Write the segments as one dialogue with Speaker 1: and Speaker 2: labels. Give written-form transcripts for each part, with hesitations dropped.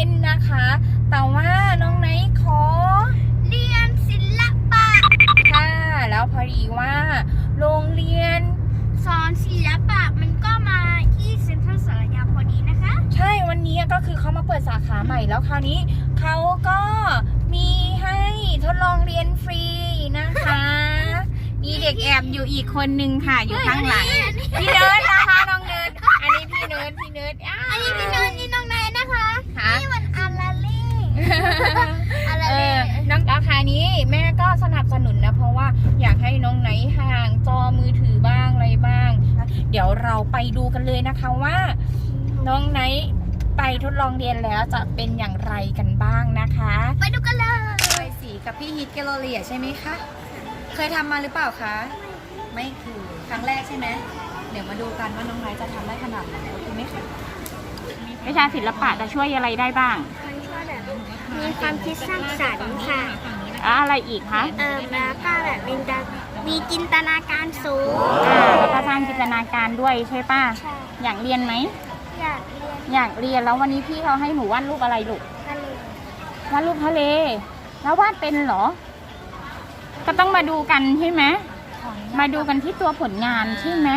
Speaker 1: นนะคะแต่ว่าน้องไนท์ขอ
Speaker 2: เรียนศิลปะ
Speaker 1: ค่ะแล้วพอดีว่าโรงเรียน
Speaker 2: สอนศิลปะมันก็มาที่เซ็นทรัลสารยาพอดีนะคะ
Speaker 1: ใช่วันนี้ก็คือเขามาเปิดสาขาใหม่แล้วคราวนี้เขาก็มีให้ทดลองเรียนฟรีนะคะมีเด็กแอบอยู่อีกคนนึงค่ะอยู่ข้างหลังพี่เนิร์ดนะคะน้องเนิร์ดอันนี้พี่เนิร์ด
Speaker 2: อันนี้พี่นนท์นี่น้องนายนะคะนี่มันอาราเล่อาราเล่
Speaker 1: น้องราคานี้แม่ก็สนับสนุนนะเพราะว่าอยากให้น้องไนท์ห่างจอมือถือบ้างอะไรบ้างเดี๋ยวเราไปดูกันเลยนะคะว่าน้องไนท์ไปทดลองเรียนแล้วจะเป็นอย่างไรกันบ้างนะคะ
Speaker 2: ไปดูกันเลย
Speaker 3: ใบสีกับพี่ฮิตแกลเลอรี่ใช่ไหมคะเคยทำมาหรือเปล่าคะไม่คือครั้งแรกใช่ไหมเดี๋ยวมาดูกันว่าน้องไนท์จะทำได้ขนาดไหนโอเคไหมคะ
Speaker 1: วิชาศิลปะจะช่วยอะไรได้บ้าง
Speaker 2: มันช่วยแบบมีความคิดสร้างสรรค์ค่ะ
Speaker 1: อะไรอีกคะ
Speaker 2: แล้วก็แบบมีจินตนาการสูง
Speaker 1: แล้วก็สร้างจินตนาการด้วยใช่ป่ะ
Speaker 2: ใช่
Speaker 1: อยากเรียนไหม
Speaker 2: อยากเรียน
Speaker 1: แล้ววันนี้พี่เขาให้หนูวาดรูปอะไรลูก
Speaker 2: ทะเล
Speaker 1: วาดรูปทะเลแล้ววาดเป็นเหรอก็ต้องมาดูกันใช่ไหมมาดูกันที่ตัวผลงานใช่ไหม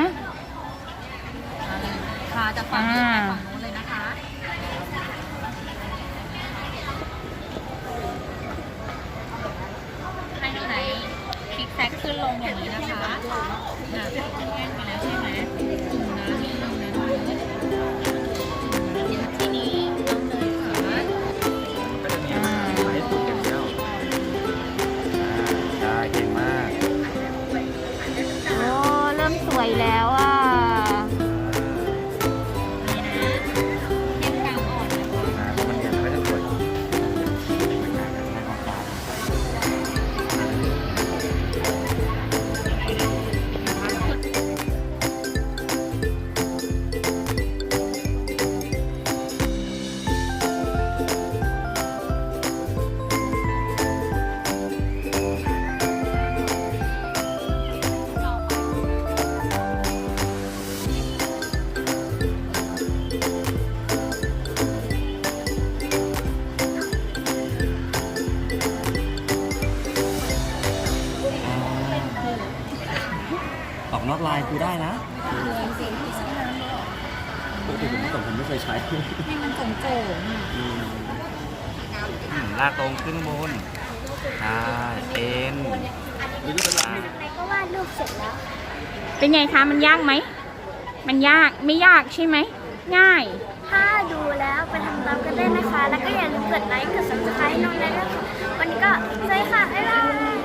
Speaker 3: ค่ะจากฝั่งนู้นไปฝั่งนู้นเลยนะคะให้น้องไหนคลิกแซกขึ้นลงอย่างนี้นะคะแง่นไปแล้วใช่ไหมทีนี้น้องเนยค่ะ
Speaker 4: ก็จะมีมาให้สุดอย่างเดียวได้เก่งมาก
Speaker 1: โอ้เริ่มสวยแล้วอ่ะ
Speaker 4: ออกนอกลายกูได้นะปกติผมไม่เคยใช้
Speaker 3: ให้มันโก่ง
Speaker 4: ลากตรงขึ้นบนเอ็น
Speaker 2: นายก็วาดรูปเสร็จแล้ว
Speaker 1: เป็นไงคะมันยากไหมมันยากไม่ยากใช่ไหมง่าย
Speaker 2: ถ้าดูแล้วไปทำตามกันได้นะคะแล้วก็อย่าลืมกดไลค์กด subscribe น้องนายด้วยค่ะวันนี้ก็สวัสดีค่ะบ๊ายบาย